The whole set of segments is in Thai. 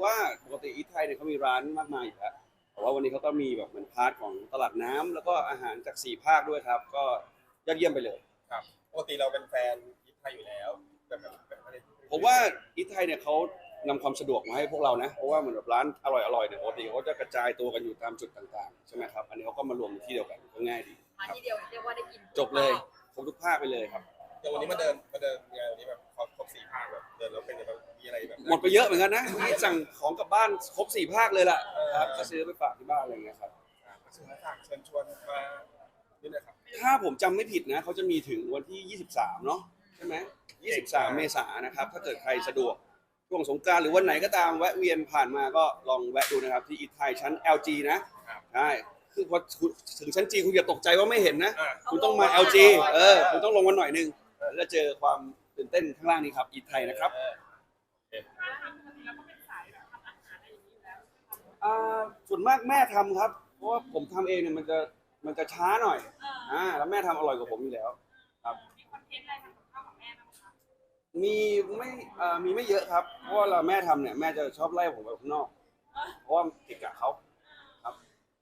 ว่าปกติอีทไทยเนี่ยเขามีร้านมากมายอยู่แล้วแต่ว่าวันนี้เขาก็มีแบบเหมือนพาร์ทของตลาดน้ำแล้วก็อาหารจาก4 ภาคด้วยครับก็ยอดเยี่ยมไปเลยครับปกติเราเป็นแฟนยิปไทยอยู่แล้วแบบอะไรผมว่าอีทไทยเนี่ยเขานำความสะดวกมาให้พวกเรานะเพราะว่าเหมือนแบบร้านอร่อยๆเนี่ยปกติเขาจะกระจายตัวกันอยู่ตามจุดต่างๆใช่ไหมครับอันนี้เขาก็มารวมในที่เดียวกันก็ง่ายดีมาที่เดียวเรียกว่าได้กินจบเลยครบทุกภาคไปเลยครับเดี๋ยววันนี้มาเดินงานวันนี้แบบครบ4 ภาคแบบเดินแล้วเป็นแบบมีอะไรแบบหมดไปเยอะเหมือนกันนะนี่สั่งของกลับบ้านครบ4 ภาคเลยล่ะครับก็ซื้อไปฝากที่บ้านอะไรเงี้ยครับสื่อฝากเชิญชวนมานี่นะครับถ้าผมจำไม่ผิดนะเขาจะมีถึงวันที่23เนาะใช่ไหม23 เมษายนนะครับถ้าเกิดใครสะดวกช่วงสงกรานต์หรือวันไหนก็ตามแวะเวียนผ่านมาก็ลองแวะดูนะครับที่อีทไทยชั้น LG นะใช่คือพอถึงชั้น G คุณอย่าตกใจว่าไม่เห็นนะคุณต้องมา LG คุณต้องลงมาหน่อยนึงแล้วเจอความตื่นเต้นข้างล่างนี้ครับอีทไทยนะครับส่วนมากแม่ทำครับเพราะว่าผมทำเองเนี่ยมันจะช้าหน่อยแล้วแม่ทำอร่อยกว่าผมอยู่แล้วครับมีคอนเทนต์อะไรทำกับข้าวกับแม่บ้างคะมีไม่เยอะครับเพราะว่าเราแม่ทำเนี่ยแม่จะชอบไล่ผมไปข้างนอกเพราะว่าเกะกะเขาครับ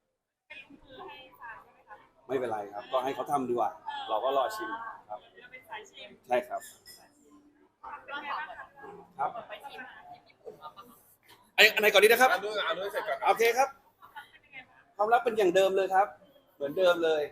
ไม่เป็นไรครับก็ให้เขาทำดีกว่าเราก็รอชิมครับใช่ครับครับอันไหนก่อนดีนะครับเอาด้วยเสร็จก่อนโอเคครับความรักเป็นอย่างเดิมเลยครับเหมือนเดิมเลย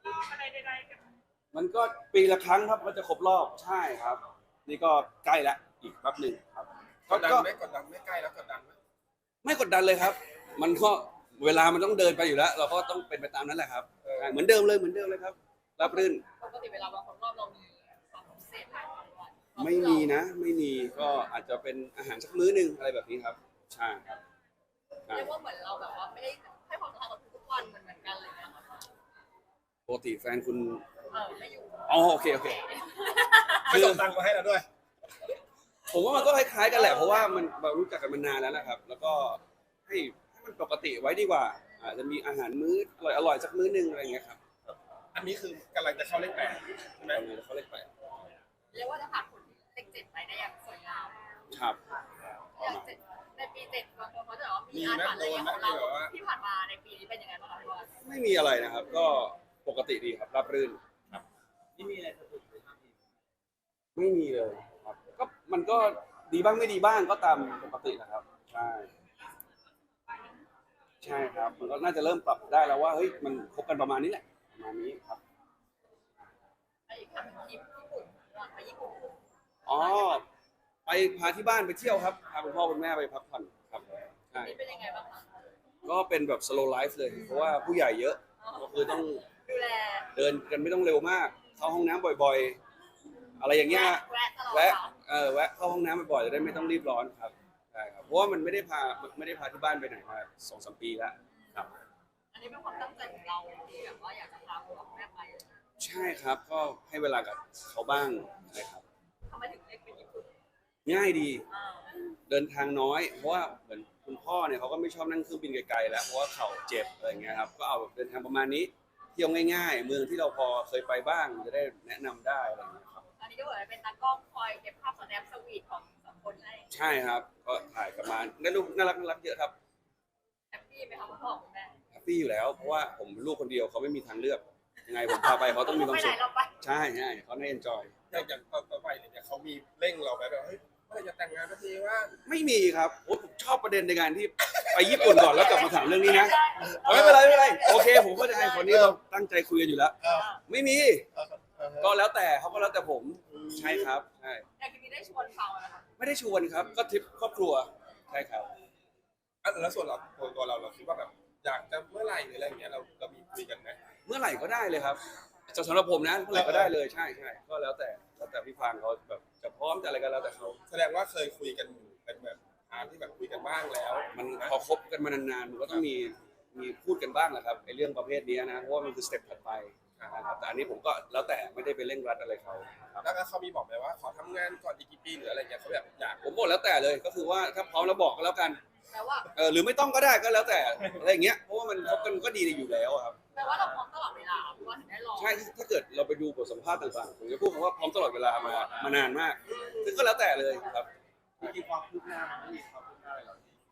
มันก็ปีละครั้งครับก็จะครบรอบใช่ครับนี่ก็ใกล้แล้วอีกแป๊บหนึ่งครับกดดันไม่ใกล้แล้วกดดันไหมไม่กดดันเลยครับมันก็เวลามันต้องเดินไปอยู่แล้วเราก็ต้องเป็นไปตามนั้นแหละครับเหมือนเดิมเลยครับรับรื่นปกติเวลาบางคนรอบเรามีความพิเศษอะไรไม่มีนะไม่มีก็อาจจะเป็นอาหารสักมื้อนึงอะไรแบบนี้ครับใช่ครับเรียกว่าเหมือนเราแบบว่าไม่ได้ให้ความสำคัญกับทุกวันเหมือนกันเลยนะคะปกติแฟนคุณไม่อยู่โอเคไม่ส่งตังค์มาให้เราด้วยผมว่ามันก็คล้ายๆกันแหละเพราะว่ามันเรารู้จักกันมานานแล้วนะครับ แล้วก็ให้มันปกติไว้ดีกว่าอาจจะมีอาหารมื้ออร่อยสักมื้อนึงอะไรอย่างเงี้ยครับอันนี้คือกำลังจะเข้าเลข8ใช่ไหมเขาเลข8 เรียกว่าจะผ่านผลเลข7ไปได้อย่างสวยงามครับในปี7บางคนเขาจะบอกว่ามีอาถรรพ์อะไรของเราที่ผ่านมาในปีนี้เป็นยังไงบ้างคะพี่บอลไม่มีอะไรนะครับก็ปกติดีครับราบรื่นครับไม่มีอะไรสะดุดเลยครับไม่มีเลยครับก็มันก็ดีบ้างไม่ดีบ้างก็ตามปกตินะครับใช่ครับมันก็น่าจะเริ่มปรับได้แล้วว่าเฮ้ยมันคบกันประมาณนี้แหละประมาณนี้ครับอีกครั้งทริปญี่ปุ่นไปญี่ปุ่นไปพาที่บ้านไปเที่ยวครับพาคุณพ่อคุณแม่ไปพักผ่อนครับใช่เป็นยังไงบ้างคะก็เป็นแบบ slow life เลยเพราะว่าผู้ใหญ่เยอะก็คือต้องดูแลเดินกันไม่ต้องเร็วมากเข้าห้องน้ำบ่อยๆอะไรอย่างเงี้ยแวะเข้าห้องน้ำบ่อยๆจะได้ไม่ต้องรีบร้อนครับใช่ครับเพราะว่ามันไม่ได้พาที่บ้านไปไหนมา 2-3 ปีแล้วครับอันนี้เป็นความตั้งใจของเราที่แบบว่าอยากจะพาคุณพ่อคุณแม่ไปใช่ครับก็ให้เวลากับเขาบ้างใช่ครับทำไมถึงเลือกไปญี่ปุ่นง่ายดีเดินทางน้อยเพราะว่าเหมือนคุณพ่อเนี่ยเขาก็ไม่ชอบนั่งเครื่องบินไกลๆแล้วเพราะว่าเข่าเจ็บอะไรเงี้ยครับก็เอาแบบเดินทางประมาณนี้เที่ยวง่ายๆเมืองที่เราพอเคยไปบ้างจะได้แนะนำได้อะไรเงี้ยครับอันนี้ก็เหมือนเป็นตากล้องคอยเก็บภาพสแนปสวีทของ2 คนให้ใช่ครับก็ถ่ายกลับมาได้รูปน่ารักเยอะครับแฮปปี้ไหมครับคุณพ่อคุณแม่แฮปปี้อยู่แล้วเพราะว่าผมลูกคนเดียวเขาไม่มีทางเลือกยังไงผมพาไปเขาต้องมีความสุขใช่เขาได้เอนจอยอย่างต่อไปเนี่ยเขามีเร่งเราแบบเฮ้ยเมื่อไรจะแต่งงานสักทีว่าไม่มีครับผมชอบประเด็นในการที่ไปญี่ปุ่นก่อนแล้วกลับมาถามเรื่องนี้นะไม่เป็นไรโอเคผมก็จะให้คนนี้เราตั้งใจคุยกันอยู่แล้วไม่มีก็แล้วแต่เขาก็แล้วแต่ผมใช่ครับใช่แต่ทีนี้ได้ชวนเขานะคะไม่ได้ชวนครับก็ทริปครอบครัวใช่ครับแล้วส่วนตัวเราคิดว่าแบบอยากจะเมื่อไหร่หรืออะไรอย่างเงี้ยเรามีคุยกันไหมเมื่อไหร่ก็ได้เลยครับสำหรับผมนะเมื่อไหร่ก็ได้เลยใช่ก็แล้วแต่พี่พานเขาแบบจะพร้อมจะอะไรกันแล้วแต่เขาแสดงว่าเคยคุยกันเป็นแบบที่แบบคุยกันบ้างแล้วมันพอคบกันมานานๆมันก็ต้องมีพูดกันบ้างแหละครับไอ้เรื่องประเภทนี้นะเพราะว่ามันคือสเต็ปถัดไปนะครับแต่อันนี้ผมก็แล้วแต่ไม่ได้ไปเร่งรัดอะไรเขาแล้วก็เขามีบอกไหมว่าขอทำงานก่อนอีกกี่ปีหรืออะไรเงี้ยเขาแบบอยากผมบอกแล้วแต่เลยก็คือว่าถ้าพร้อมแล้วบอกก็แล้วกันหรือไม่ต้องก็ได้ก็แล้วแต่อะไรอย่างเงี้ยเพราะว่ามันคบกันก็ดีอยู่แล้วครับแปลว่าเราพร้อมตลอดเวลาเพราะว่าถึงได้ลองใช่ถ้าเกิดเราไปดูบทสัมภาษณ์ต่างๆผมจะพูดว่าพร้อมตลอดเวลามานานมากซึ่งก็แล้วแต่เลยครับมีความคืบหน้ามันไม่มีความคืบหน้าอะไรหรอก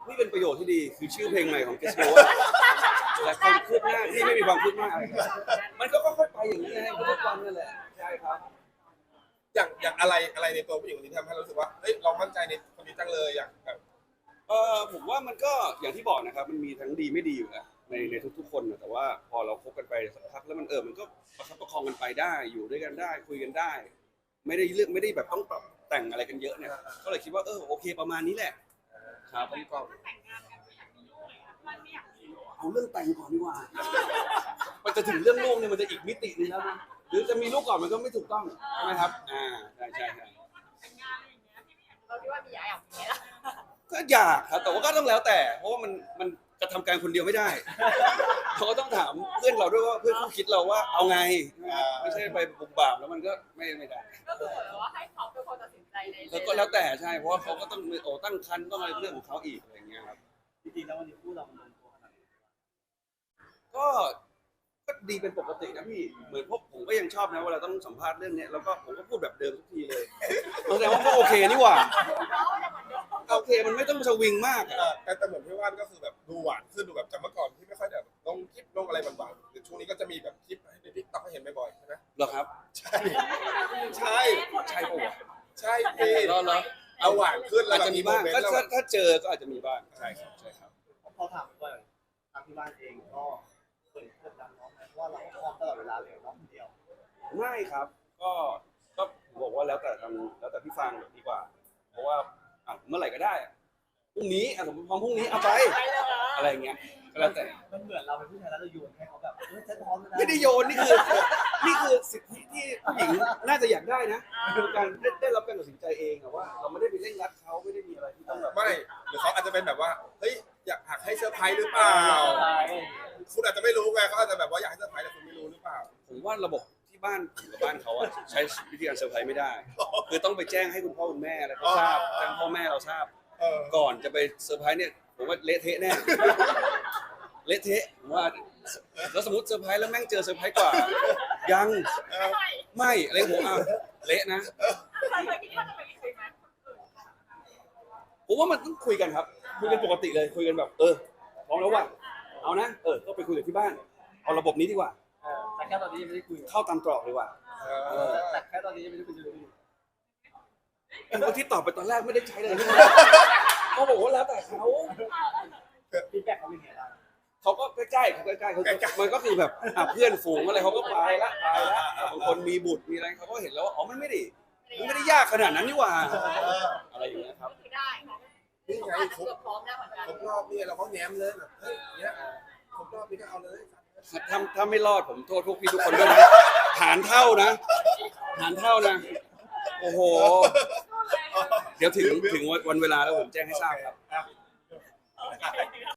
นี่เป็นประโยชน์ที่ดีคือชื่อเพลงใหม่ของเกสโนแต่ความคืบหน้าที่ไม่มีความคืบหน้าอะไรมันก็ค่อยๆไปอย่างนี้ไงทุกวันนั่นแหละใช่ครับอย่างอะไรในตัวผู้หญิงคนนี้ทำให้เรารู้สึกว่าเฮ้ยเรามั่นใจในคนนี้จังเลยอย่างแบบผมว่ามันก็อย่างที่บอกนะครับมันมีทั้งดีไม่ดีอยู่แล้วในทุกๆคนนะแต่ว่าพอเราคบกันไปสักพักแล้วมันก็ประคับประคองกันไปได้อยู่ด้วยกันได้คุยกันได้ ไม่ได้แบบต้องปรับแต่งอะไรกันเยอะเนี่ยก็เลยคิดว่าโอเคประมาณนี้แหละครับผมก็แต่งงานกันอยากมีลูกเลยค่ะมันไม่อยากมีลูกเอาเรื่องแต่งก่อนดีกว่า มันจะถึงเรื่องลูกเนี่ยมันจะอีกมิตินึงแล้วนะหรือจะมีลูกก่อนมันก็ไม่ถูกต้องใช่ไหมครับใช่แต่งงานอะไรอย่างเงี้ยพี่ไม่อยากเราคิดว่ามีอยากมีไหมล่ะก็อยากครับแต่ว่าก็ต้องแล้วแต่เพราะว่ามันกระทำการคนเดียวไม่ได้เขาก็ต้องถามเพื่อนเราด้วยว่าเพื่อนคู่คิดเราว่าเอาไงไม่ใช่ไปบุกบามแล้วมันก็ไม่ได้ก็คือเหมือนว่าให้เขาเป็นคนตัดสินใจในแล้วก็แล้วแต่ใช่เพราะว่าเขาก็ต้องตั้งครรภ์ต้องอะไรเรื่องของเขาอีกอะไรอย่างเงี้ยครับจริงๆแล้ววันนี้คู่เรามันลงตัวขนาดไหนก็ดีเป็นปกตินะพี่เหมือนพวกผมก็ยังชอบนะเวลาต้องสัมภาษณ์เรื่องเนี้ยแล้วก็ผมก็พูดแบบเดิมทุกทีเลยแสดงว่าก็โอเคนี่หว่าเขาจะเหมือนเดิมโอเคมันไม่ต้องสวิงมากอะแต่เหมือนพี่ว่านก็คือแบบดูหวานขึ้นดูแบบจากเมื่อก่อนที่ไม่ค่อยแบบลงคลิปลงอะไรหวานๆแต่ช่วงนี้ก็จะมีแบบคลิปให้ในทิกต็อกให้เห็นบ่อยๆใช่ไหมเหรอครับใช่ใช่ใช่ปะวะใช่พี่เหรอเอาหวานขึ้นแล้อาจวจะมีบ้างแล้วถ้าเจอก็อาจจะมีบ้างใช่ครับพอถามว่าทางที่บ้านเองก็เคยกดดันน้องไหมเพราะว่าเราก็พร้อมตลอดเวลาเลยน้องคนเดียวไม่ครับ ก็บอกว่าแล้วแต่พี่ฟังดีกว่า เพราะว่าเมื่อไหร่ก็ได้อะพรุ่งนี้สมมติพร้อมพรุ่งนี้เอาไปไปเลยเหรออะไรอย่างเงี้ยก็แล้วแต่มันเหมือนเราเป็นผู้ชายแล้วเราโยนให้เขาแบบฉันพร้อมแล้วนะไม่ได้โยนนี่คือสิทธิที่ผู้หญิงน่าจะอยากได้นะคือการได้รับการตัดสินใจเองอะว่าเราไม่ได้ไปเร่งรัดเขาไม่ได้มีอะไรที่ต้องแบบไม่หรือเขาอาจจะเป็นแบบว่าเฮ้ยอยากให้เซอร์ไพรส์หรือเปล่าคุณอาจจะไม่รู้ไงเขาอาจจะแบบว่าอยากให้เซอร์ไพรส์แต่คุณไม่รู้หรือเปล่าผมว่าระบบที่บ้านผมกับบ้านเขาอะใช้วิธีการเซอร์ไพรส์ไม่ได้ คือต้องไปแจ้งให้คุณพ่อคุณแม่อะไรเขาทราบแจ้งพ่อแม่เราทราบ ก่อนจะไปเซอร์ไพรส์เนี่ยผมว่าเละเทะแน่เละเทะผมว่าแล้วสมมติเซอร์ไพรส์แล้วแม่งเจอเซอร์ไพรส์กว่า ยัง ไม่อะไรผมเละนะเคยคิดว่าจะไปคุยไหมผมว่ามันต้องคุยกันครับคุยกันปกติเลยคุยกันแบบพร้อมแล้วว่ะเอานะก็ไปคุยกับที่บ้านเอาระบบนี้ดีกว่าแต่แค่ตอนนี้ยังไม่ได้คุยเข้าตามตรอกดีกว่าแต่แค่ตอนนี้ยังไม่ได้คุยเลยคนที่ตอบไปตอนแรกไม่ได้ใช้เลยเขาบอกว่าแล้วแต่เขาฟีดแบ็กเขาเป็นไงบ้างเขาก็ใกล้ๆเขามันก็คือแบบเพื่อนฝูงอะไรเขาก็ไปละบางคนมีบุตรมีอะไรเขาก็เห็นแล้วว่าอ๋อมันไม่ได้ยากขนาดนั้นนี่หว่าอะไรอย่างเงี้ยครับคือได้ค่ะนี่ไงอาจจะครบเกือบพร้อมแล้วเหมือนกันครบรอบนี่เราก็แง้มเลยแบบเฮ้ยเนี้ยครบรอบนี้ก็เอาเลยถ้าไม่รอดผมโทษพวกพี่ทุกคนด้วยนะหารเท่านะโอ้โหเดี๋ยวถึงวันเวลาแล้วผมแจ้งให้ทราบครับ